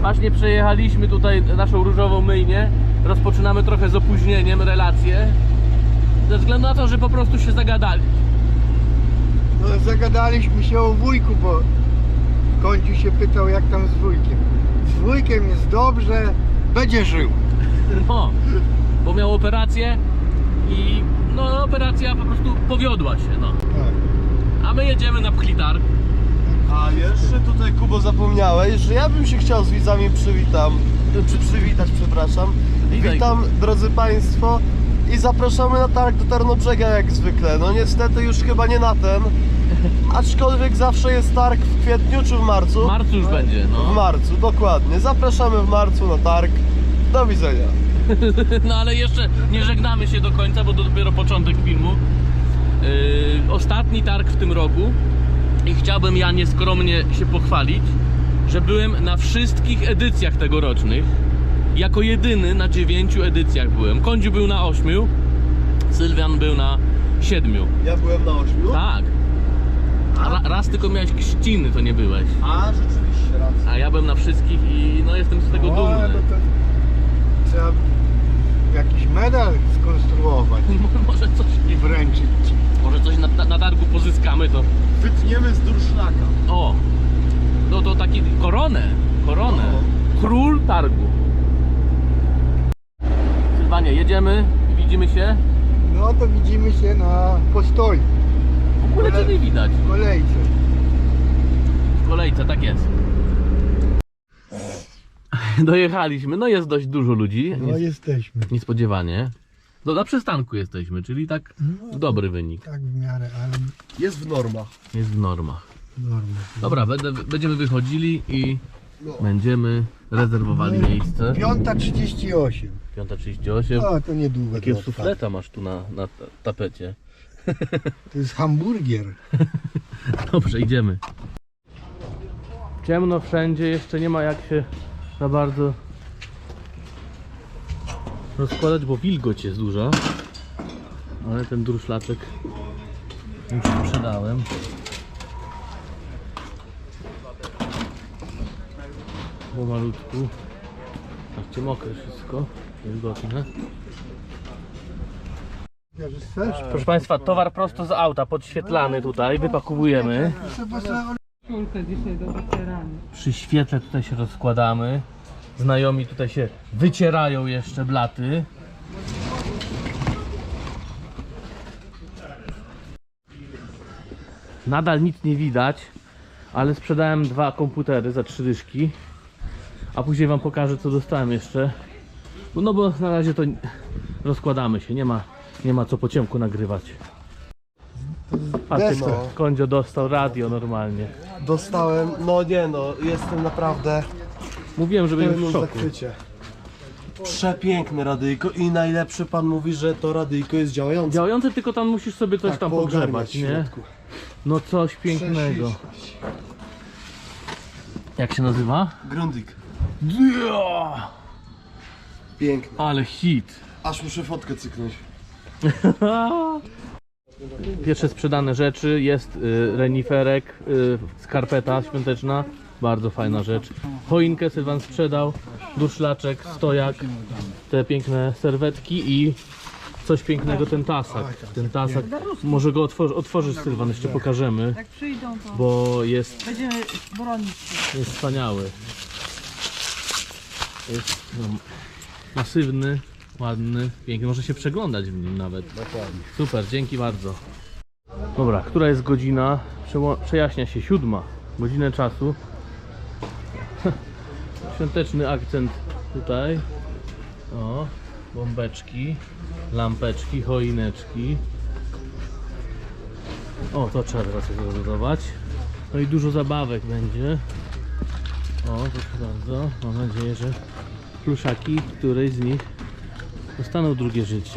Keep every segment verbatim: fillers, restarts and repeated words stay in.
Właśnie przejechaliśmy tutaj naszą różową myjnię. Rozpoczynamy trochę z opóźnieniem relacje. Ze względu na to, że po prostu się zagadali. No zagadaliśmy się o wujku, bo Kądziu się pytał, jak tam z wujkiem. Z wujkiem jest dobrze, będzie żył. No, bo miał operację i no operacja po prostu powiodła się, no. Tak. A my jedziemy na Pchlitarg. A jeszcze tutaj, Kubo, zapomniałeś, że ja bym się chciał z widzami przywitam, czy przywitać, przepraszam. Witaj. Witam, drodzy Państwo, i zapraszamy na targ do Tarnobrzega jak zwykle. No niestety już chyba nie na ten, aczkolwiek zawsze jest targ w kwietniu czy w marcu? W marcu już będzie, W no. marcu, dokładnie. Zapraszamy w marcu na targ. Do widzenia. No ale jeszcze nie żegnamy się do końca, bo to dopiero początek filmu. Yy, ostatni targ w tym roku i chciałbym ja nieskromnie się pochwalić, że byłem na wszystkich edycjach tegorocznych. Jako jedyny na dziewięciu edycjach byłem. Kądziu był na ośmiu, Sylwian był na siedmiu. Ja byłem na ośmiu. Tak. A ra, raz tylko miałeś krzciny, to nie byłeś. A, rzeczywiście, racja. A ja byłem na wszystkich i no jestem z tego O, dumny. no to trzeba jakiś medal skonstruować Może coś, i wręczyć ci. może coś na, na, na targu pozyskamy, to Wytniemy z durszlaka. o, no to taki koronę, koronę, No. król targu. Sylwanie, jedziemy, widzimy się. No to widzimy się na postoju, W ogóle cię nie widać. w kolejce. W kolejce, tak jest. Dojechaliśmy, no jest dość dużo ludzi. No Nies- jesteśmy. Niespodziewanie. No, na przystanku jesteśmy, czyli tak No. dobry wynik. Tak w miarę, ale Jest w normach. Jest w normach. normalnie. Dobra, będę, będziemy wychodzili i będziemy rezerwowali miejsce. Piąta trzydzieści osiem. piąta trzydzieści osiem. O, to niedługo. Jakiego to odpadnie. sufleta masz tu na, na ta- tapecie? To jest hamburgier. Dobrze, idziemy. Ciemno wszędzie, jeszcze nie ma jak się za bardzo rozkładać, bo wilgoć jest duża. Ale ten durszlaczek już sprzedałem. Po malutku. Patrzcie, mokre wszystko, wilgotne. Proszę Państwa, towar prosto z auta, podświetlany tutaj, wypakowujemy. Kulkę dzisiaj do wycierania. Przy świetle tutaj się rozkładamy. Znajomi tutaj się wycierają jeszcze blaty. Nadal nic nie widać, ale sprzedałem dwa komputery za trzy dyszki. A później wam pokażę, co dostałem jeszcze. No bo na razie to rozkładamy się, nie ma, nie ma co po ciemku nagrywać. A ty, Deska. Kądzio dostał radio normalnie. Dostałem, no nie no, jestem naprawdę Mówiłem, że w będziesz w pełnym szoku. zachwycie. Przepiękne radyjko i najlepszy, pan mówi, że to radyjko jest działające. Działające, tylko tam musisz sobie coś Tak, tam poogarniać pogrzebać, w nie? środku. No coś pięknego. Prześliczność. Jak się nazywa? Grundig. Dia! Piękne. Ale hit. Aż muszę fotkę cyknąć. Pierwsze sprzedane rzeczy jest y, reniferek, y, skarpeta świąteczna, bardzo fajna rzecz. Choinkę Sylwan sprzedał, durszlaczek, stojak, te piękne serwetki i coś pięknego, ten tasak. Ten tasak, może go otworzy, otworzysz Sylwan, jeszcze pokażemy, Jak przyjdą, to bo jest, będziemy bronić się. jest wspaniały. Jest no, masywny, ładny, piękny, może się przeglądać w nim nawet. Dokładnie. Super, dzięki bardzo. Dobra, która jest godzina? Przeło- Przejaśnia się, siódma. Godzinę czasu. Świąteczny akcent tutaj. O, bombeczki, lampeczki, choineczki. O, to trzeba teraz zorganizować. No i dużo zabawek będzie. O, proszę bardzo. Mam nadzieję, że pluszaki, której z nich dostaną drugie życie.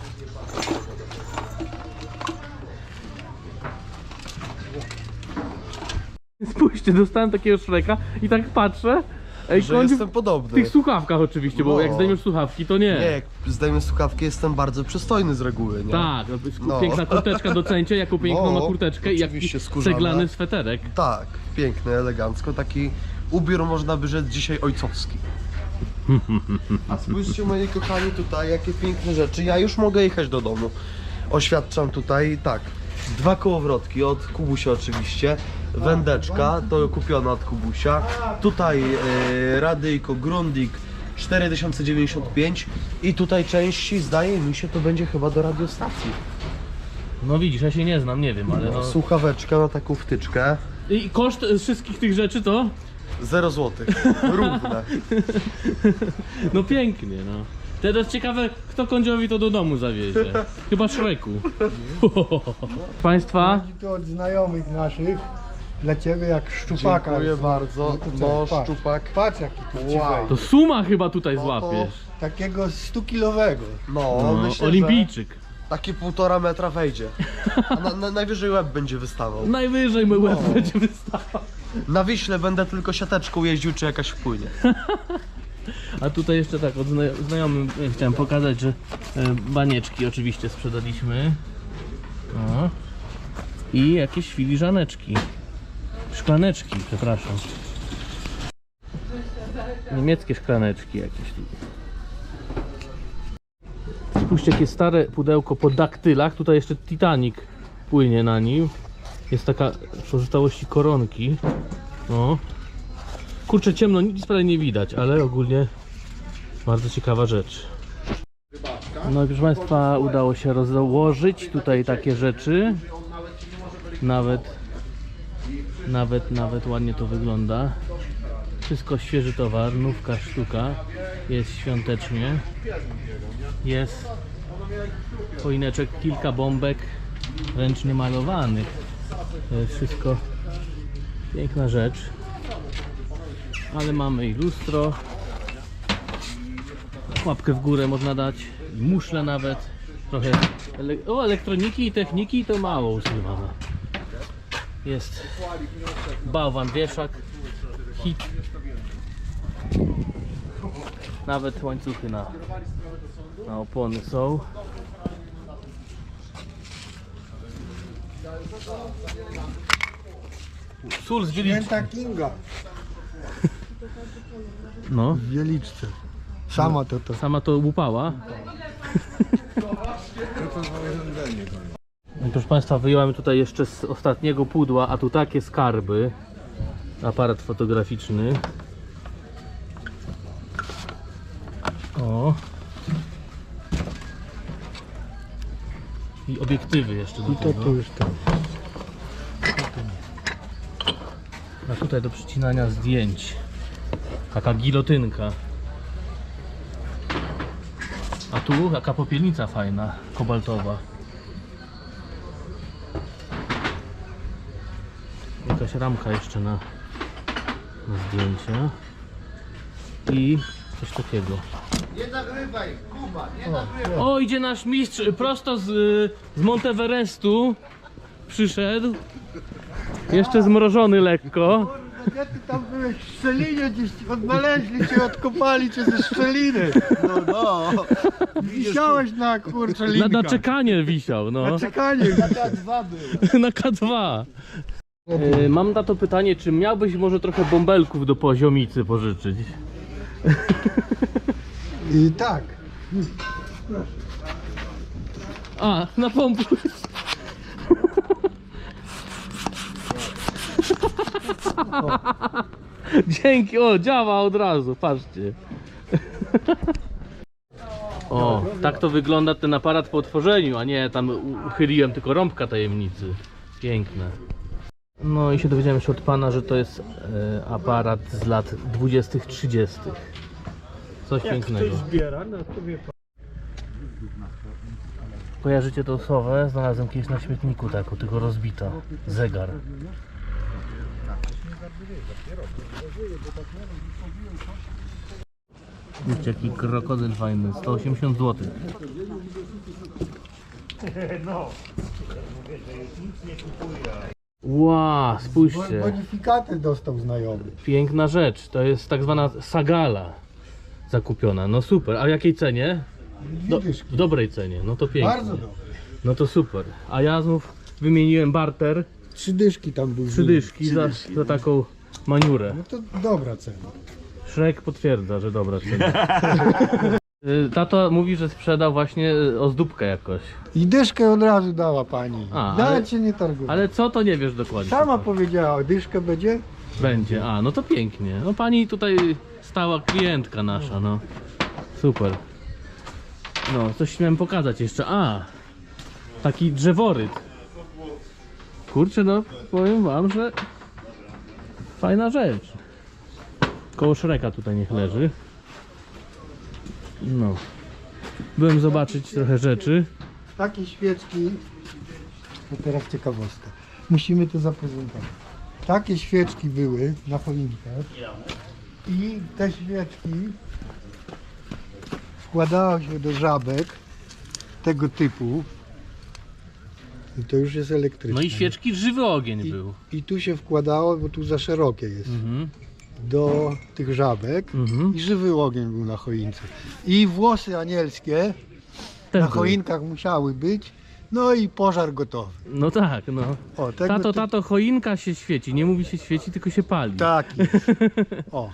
Spójrzcie, dostałem takiego Shreka i tak patrzę. Ej, Że Kądziu, jestem w podobny. tych słuchawkach oczywiście, bo No. jak zdejmiesz słuchawki, to nie. Nie, jak zdejmę słuchawki, jestem bardzo przystojny z reguły, nie? Tak, No. piękna kurteczka docencie, jaką piękną No, ma kurteczkę i jaki oczywiście skórzana. ceglany sweterek. Tak, piękny, elegancko, taki Ubiór można by rzec dzisiaj ojcowski. A spójrzcie moi kochani tutaj, jakie piękne rzeczy. Ja już mogę jechać do domu. Oświadczam tutaj, tak, dwa kołowrotki od Kubusia oczywiście. Wędeczka, to kupiona od Kubusia. Tutaj e, radyjko Grundig cztery tysiące dziewięćdziesiąt pięć. I tutaj części, zdaje mi się, to będzie chyba do radiostacji. No widzisz, ja się nie znam, nie wiem, ale no... Słuchaweczka na taką wtyczkę. I koszt wszystkich tych rzeczy to? zero złotych. Równe. No pięknie, no. Teraz ciekawe, kto Kądziowi to do domu zawiezie. Chyba Szreku. Państwa, Chodzi tu od znajomych naszych. Dla ciebie jak szczupaka. Dziękuję bardzo. No to co, No, patrz. szczupak. Patrz jaki tu ci Wow. wejdzie. to suma chyba tutaj No to- złapiesz. Takiego stu-kilowego. No, No, myślę, olimpijczyk. że takie półtora metra wejdzie. A na, na, najwyżej łeb będzie wystawał. Najwyżej mój łeb No. będzie wystawał. Na Wiśle będę tylko siateczką jeździł, czy jakaś wpłynie. A tutaj jeszcze tak, od zna znajomym e, chciałem pokazać, że e, banieczki oczywiście sprzedaliśmy. O. I jakieś filiżaneczki. Szklaneczki, przepraszam. Niemieckie szklaneczki jakieś tu. Spójrzcie, jakie stare pudełko po daktylach. Tutaj jeszcze Titanic płynie na nim. Jest taka pozostałości koronki. O. Kurczę, ciemno, nic prawie nie widać, ale ogólnie bardzo ciekawa rzecz. No i proszę Państwa, udało się rozłożyć tutaj takie rzeczy. Nawet, nawet, nawet ładnie to wygląda. Wszystko świeży towar, nówka sztuka. Jest świątecznie. Jest choineczek, kilka bombek ręcznie malowanych. To jest wszystko piękna rzecz. Ale mamy i lustro. Łapkę w górę można dać. I muszle nawet. Trochę ele o, elektroniki i techniki to mało używane. Jest bałwan, wieszak, hit. Nawet łańcuchy na, na opony są. Sól z Wieliczki. Święta Kinga No, w Wieliczce. Sama to to. sama to łupała. No, proszę Państwa, wyjąłem tutaj jeszcze z ostatniego pudła, a tu takie skarby. Aparat fotograficzny. O. I obiektywy jeszcze do I to tego. tu już tam. A tutaj do przycinania zdjęć. Taka gilotynka. A tu taka popielnica fajna, kobaltowa. Jakaś ramka jeszcze na, na zdjęcia. I coś takiego. Nie nagrywaj, Kuba, nie nagrywaj. O, idzie nasz mistrz prosto z, z Monteverestu. Przyszedł. Jeszcze zmrożony lekko. Gdzie ty tam byłeś w szczelinie, gdzieś odnaleźli cię, odkopali cię ze szczeliny. No, no. Wisiałeś na kurczę Na, linka. na czekanie wisiał, no. Na czekanie. K dwa był. Na K dwa. Yy, mam na to pytanie, czy miałbyś może trochę bąbelków do poziomicy pożyczyć? I tak. A, na pompku. Dzięki, o, działa od razu, patrzcie. O, tak to wygląda ten aparat po otworzeniu, a nie tam uchyliłem tylko rąbka tajemnicy. Piękne. No i się dowiedziałem jeszcze od pana, że to jest e, aparat z lat dwudziestych, trzydziestych. Coś pięknego. Kojarzycie tą sowę? Znalazłem kiedyś na śmietniku taką, tylko rozbita. Zegar. Widzicie, jaki krokodyl fajny, sto osiemdziesiąt złotych. Ła, spójrzcie. Bonifikaty dostał znajomy. Piękna rzecz, to jest tak zwana sagala zakupiona. No super, a w jakiej cenie? Do, Widzisz, w dobrej cenie, no to pięknie. bardzo dobry. No to super. A ja znów wymieniłem barter, Trzy dyszki tam były. trzy dyszki za, za taką maniurę. No to dobra cena. Shrek potwierdza, że dobra cena. Y, Tato mówi, że sprzedał właśnie y, ozdóbkę jakoś. I dyszkę od razu dała pani. A, Nawet ale- się nie targuje. Ale co to nie wiesz dokładnie. Sama powiedziała, dyszkę będzie? Będzie, a no to pięknie. No pani tutaj stała klientka nasza, no. Super. No, coś miałem pokazać jeszcze. A, taki drzeworyt. Kurczę, no powiem wam, że fajna rzecz. Koło Shreka tutaj niech leży. No. Byłem zobaczyć trochę rzeczy. Takie świeczki, to teraz ciekawostka. Musimy to zaprezentować. Takie świeczki były na choinkach i te świeczki wkładało się do żabek tego typu i to już jest elektryczne. No i świeczki żywy ogień I, był. i tu się wkładało, bo tu za szerokie jest, Mhm. do tych żabek Mhm. i żywy ogień był na choince. I włosy anielskie Też na był. choinkach musiały być, no i pożar gotowy. No tak, no. O, tego Tato, ty- tato, choinka się świeci. Nie mówi się świeci, tylko się pali. Tak jest. O.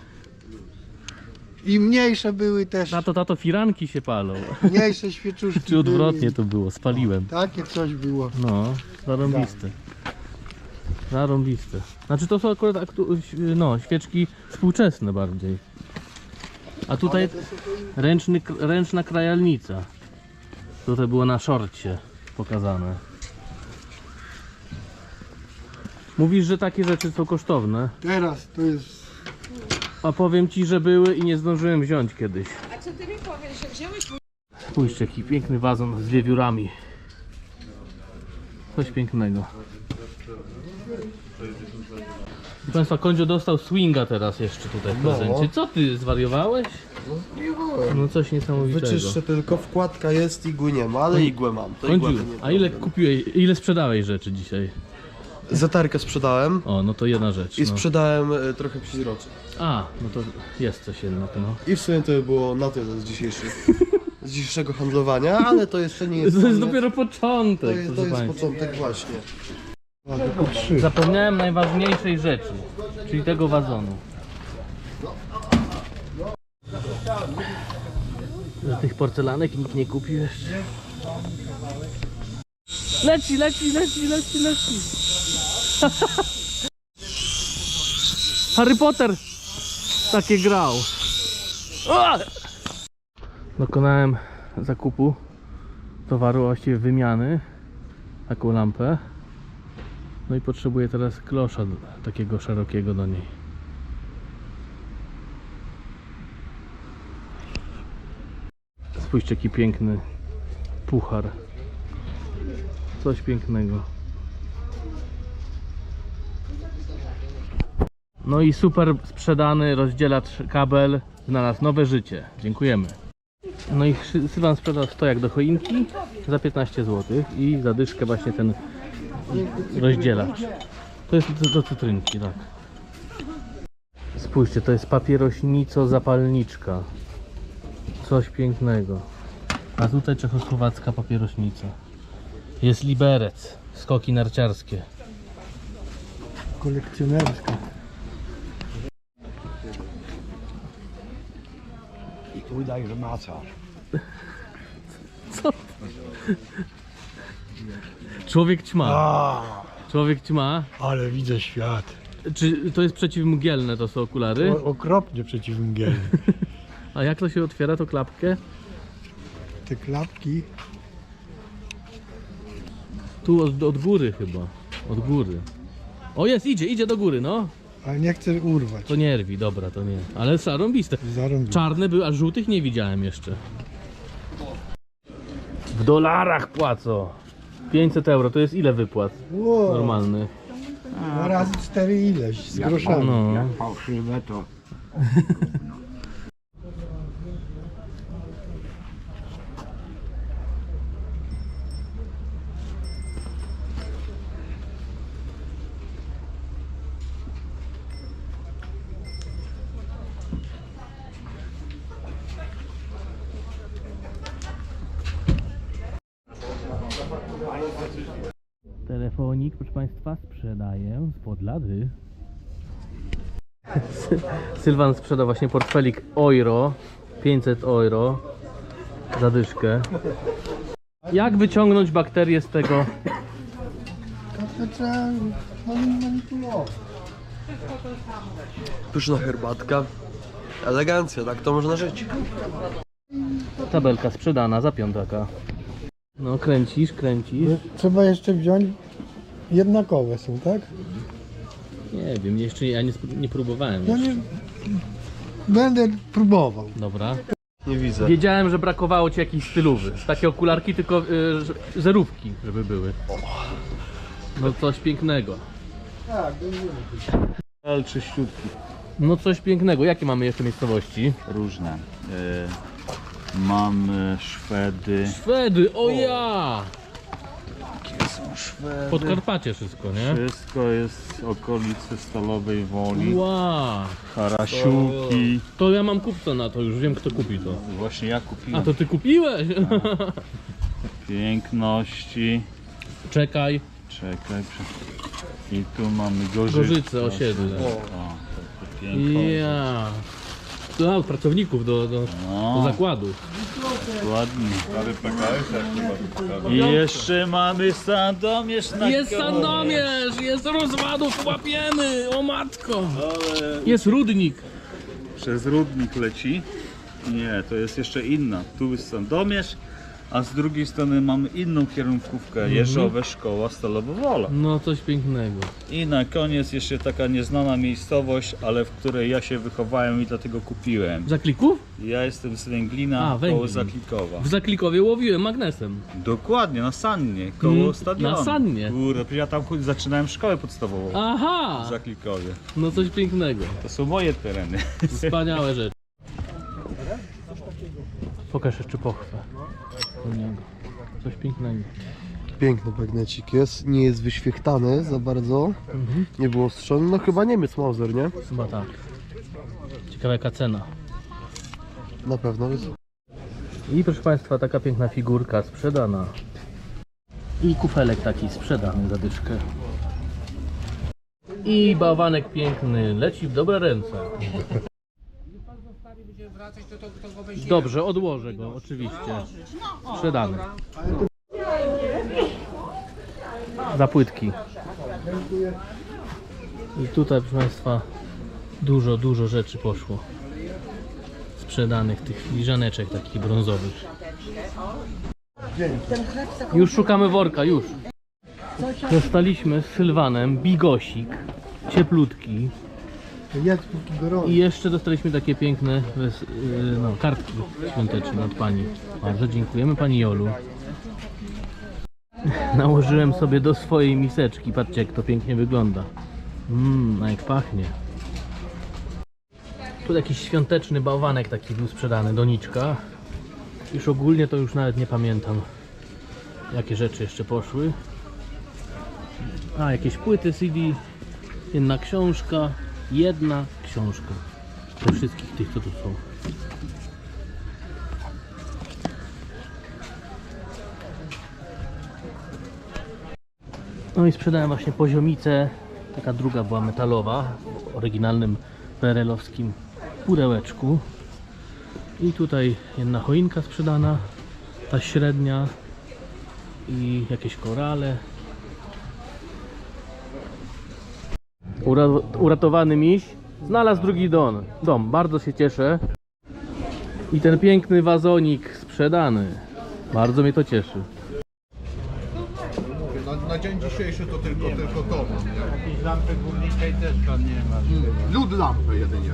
I mniejsze były też, Tato, tato, firanki się palą. mniejsze świeczuszki Czy odwrotnie były. to było, spaliłem. Takie coś było. No, zarąbiste. Zarąbiste. Znaczy to są akurat aktu- no, świeczki współczesne bardziej. A tutaj ręczny, ręczna krajalnica. Tutaj było na szorcie pokazane. Mówisz, że takie rzeczy są kosztowne, Teraz to jest a powiem ci, że były i nie zdążyłem wziąć kiedyś. A co ty mi powiesz, że wziąłeś mój... Spójrzcie, jaki piękny wazon z wiewiórami. Coś pięknego. Proszę Państwa, Kondzio dostał swinga teraz jeszcze tutaj w No. prezencie. Co ty, zwariowałeś? No coś niesamowitego. Wyczyszczę tylko, wkładka jest, igły nie ma, ale igłę mam. To igła Kondziu, by nie a ile kupiłeś, ile sprzedałeś rzeczy dzisiaj? Zatarkę sprzedałem O, no to jedna rzecz. i No. sprzedałem e, trochę psiroczy. A, no to jest coś jednak, no. I w sumie to by było na tyle z dzisiejszych, z dzisiejszego handlowania, ale to jeszcze nie jest... To jest koniec. dopiero To początek, jest, to proszę jest Państwa. początek właśnie. a, tylko trzy. Zapomniałem najważniejszej rzeczy, czyli tego wazonu. Że tych porcelanek nikt nie kupił jeszcze. Leci, leci, leci, leci, leci. Harry Potter takie grał. O! Dokonałem zakupu towaru, właściwie wymiany. Taką lampę. No i potrzebuję teraz klosza d- takiego szerokiego do niej. Spójrzcie, jaki piękny puchar. Coś pięknego. No i super sprzedany rozdzielacz kabel znalazł nowe życie. Dziękujemy. No i Szy- Sylwan sprzedał stojak do choinki za piętnaście złotych i za dyszkę właśnie ten rozdzielacz. To jest do, do cytrynki, tak. Spójrzcie, to jest papierośnico-zapalniczka. Coś pięknego. A tutaj czechosłowacka papierośnica. Jest liberec, skoki narciarskie. Kolekcjonerska. I tu dajże macasz. Co? Człowiek ćma. A, Człowiek ćma. ale widzę świat. Czy to jest przeciwmgielne, to są okulary? O, okropnie przeciwmgielny. A jak to się otwiera, to klapkę? Te klapki. Tu od, od góry chyba. Od góry. O jest, idzie, idzie do góry, no. Ale nie chcę urwać. To nie rwi, dobra, to nie. Ale zarąbiste. Zarąbię. Czarne były, a żółtych nie widziałem jeszcze. W dolarach płacą. pięćset euro, to jest ile wypłat Wow, normalnych? dwa razy cztery ileś, z groszami. No. Jak fałszywe to... Telefonik, proszę Państwa, sprzedaję spod lady. Sylwan sprzeda właśnie portfelik euro, pięćset euro, zadyszkę. Jak wyciągnąć bakterie z tego? To trzeba mani- manipulować. Pyszna herbatka. Elegancja, tak to można żyć. Tabelka sprzedana za piątaka. No kręcisz, kręcisz. Trzeba jeszcze wziąć jednakowe są, tak? Nie wiem, jeszcze ja nie, sp- nie próbowałem. No jeszcze. nie... Będę próbował. Dobra. Nie widzę. Wiedziałem, że brakowało ci jakiejś stylowy. Takie okularki, tylko y, ż- zerówki, żeby były. No coś pięknego. Tak, Ale czyściutki, No coś pięknego. Jakie mamy jeszcze miejscowości? różne. E, mamy Szwedy. Szwedy, o ja! Jakie są Szwedy? Podkarpacie wszystko, nie? Wszystko jest z okolicy Stalowej Woli. Wow. Harasiuki. To ja mam kupca na to, już wiem kto kupi to. Właśnie ja A kupiłem. to ty kupiłeś? Piękności. Czekaj. Czekaj. prze- I tu mamy Gorzyce. Gorzyce, osiedle. O, to, to piękno. Ja. To pracowników do, do, do No, zakładu. ładnie. I jeszcze mamy Sandomierz na Jest koniec. Sandomierz, jest rozwadów, łapiemy, o matko. Jest Rudnik. Przez Rudnik leci. Nie, to jest jeszcze inna. Tu jest Sandomierz, a z drugiej strony mamy inną kierunkówkę. Jeżowe Szkoła Stalowo-Wola. No coś pięknego. I na koniec jeszcze taka nieznana miejscowość, ale w której ja się wychowałem i dlatego kupiłem. W Zakliku? Ja jestem z Węglina, A, Węglin. koło Zaklikowa. W Zaklikowie łowiłem magnesem. Dokładnie, na Sannie, koło Mm, stadionu. na Sannie. Kurde, przecież ja tam chod- zaczynałem szkołę podstawową Aha! w Zaklikowie. No coś pięknego. To są moje tereny. Wspaniałe rzeczy. Pokaż jeszcze pochwę. Do niego. Coś pięknego. Piękny bagnecik jest, nie jest wyświechtany za bardzo. Mhm. Nie było ostrzony, no chyba Niemiec Mauser, nie? Chyba tak. Ciekawa jaka cena. Na pewno jest. I proszę Państwa, taka piękna figurka sprzedana. I kufelek taki sprzedany za dyszkę. I bałwanek piękny leci w dobre ręce. Dobrze, odłożę go, oczywiście. Sprzedany. Za płytki. I tutaj, proszę Państwa, dużo, dużo rzeczy poszło. Sprzedanych tych filiżaneczek takich brązowych. Już szukamy worka, już. Dostaliśmy z Sylwanem bigosik, cieplutki. Jest póki gorąco. I jeszcze dostaliśmy takie piękne wes- yy, no, kartki świąteczne od Pani. Bardzo dziękujemy Pani Jolu. Nałożyłem sobie do swojej miseczki. Patrzcie jak to pięknie wygląda. Mmm, a jak pachnie. Tu jakiś świąteczny bałwanek taki był sprzedany, doniczka. Już ogólnie to już nawet nie pamiętam jakie rzeczy jeszcze poszły. A, jakieś płyty C D, jedna książka, jedna książka. Ze wszystkich tych co tu są. No i sprzedałem właśnie poziomicę. Taka druga była metalowa, w oryginalnym P R L-owskim pudełeczku. I tutaj jedna choinka sprzedana, ta średnia i jakieś korale. Ura uratowany miś znalazł drugi dom. dom. Bardzo się cieszę. I ten piękny wazonik sprzedany. Bardzo mnie to cieszy. Na, na dzień dzisiejszy to tylko, tylko to mam. Jakiejś lampy górniczej też pan nie ma. Lód lampy jedynie.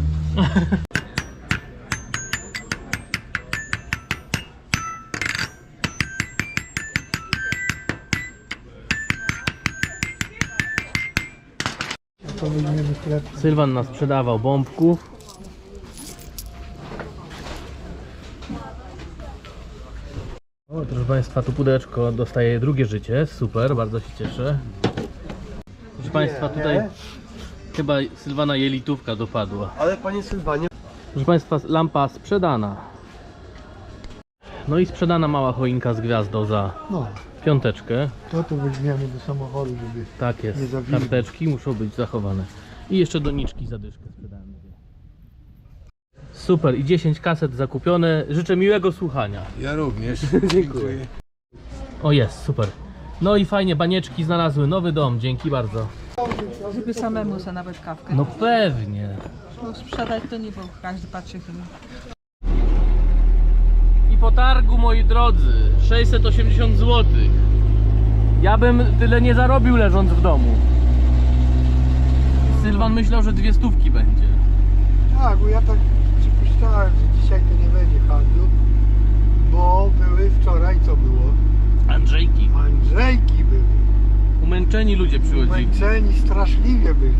To weźmiemy chleb. Sylwan nas sprzedawał bombków. O, proszę Państwa, tu pudełeczko dostaje drugie życie. Super, bardzo się cieszę. Proszę Państwa, tutaj chyba Sylwana jelitówka dopadła. Ale panie Sylwanie, Proszę Państwa, lampa sprzedana. No i sprzedana mała choinka z gwiazdą za No, piąteczkę. to to weźmiemy do samochodu, żeby... Tak Nie jest. zawilży. Karteczki muszą być zachowane. I jeszcze doniczki zadyszkę sprzedałem. Super, i dziesięć kaset zakupione. Życzę miłego słuchania. Ja również. Dziękuję. O jest, super. No i fajnie, banieczki znalazły nowy dom, dzięki bardzo. Żeby samemu sobie nawet kawkę. No pewnie. No sprzedać to nie, bo każdy patrzy chyba. I po targu, moi drodzy, sześćset osiemdziesiąt złotych. Ja bym tyle nie zarobił leżąc w domu. Sylwan myślał, że dwie stówki będzie. Tak, bo ja tak przypuszczałem, że dzisiaj to nie będzie handlu, bo były wczoraj, co było? Andrzejki. Andrzejki były. Umęczeni ludzie przychodzili. Umęczeni straszliwie byli.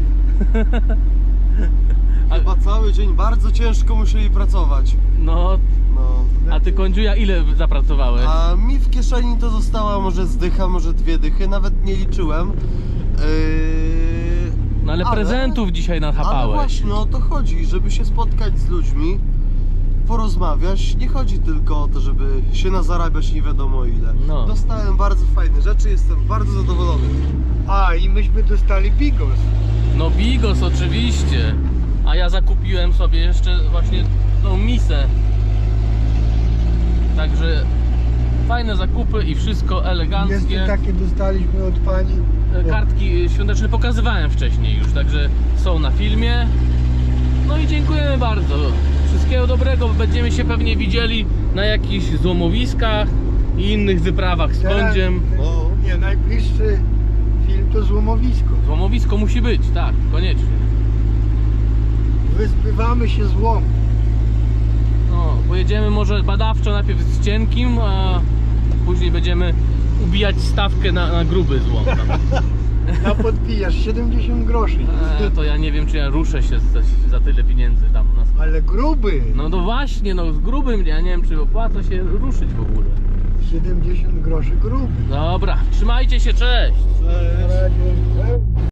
Chyba cały dzień bardzo ciężko musieli pracować. No, No. a ty, Kądziuja, ile zapracowałeś? A mi w kieszeni to została może zdycha, może dwie dychy, nawet nie liczyłem. Yy... No ale prezentów dzisiaj Ale nachapałeś. właśnie o to chodzi, żeby się spotkać z ludźmi, porozmawiać. Nie chodzi tylko o to, żeby się nazarabiać nie wiadomo ile. No. Dostałem bardzo fajne rzeczy, jestem bardzo zadowolony. A, i myśmy dostali bigos. No bigos oczywiście. A ja zakupiłem sobie jeszcze właśnie tą misę. Także fajne zakupy i wszystko eleganckie. Jeszcze takie dostaliśmy od pani. Kartki świąteczne pokazywałem wcześniej już, także są na filmie. No i dziękujemy bardzo. Wszystkiego dobrego, będziemy się pewnie widzieli na jakichś złomowiskach i innych wyprawach z Kądziem. O. Nie, najbliższy film to Złomowisko. Złomowisko musi być, tak, koniecznie. Wyzbywamy się złomu. No, pojedziemy może badawczo najpierw z cienkim, a później będziemy ubijać stawkę na, na gruby złom. Tam. Na podpijasz siedemdziesiąt groszy. E, to ja nie wiem, czy ja ruszę się za, za tyle pieniędzy tam na sklepie. Ale gruby. No to właśnie, no z grubym, ja nie wiem, czy opłaca się ruszyć w ogóle. siedemdziesiąt groszy gruby. Dobra, trzymajcie się, cześć! Na razie.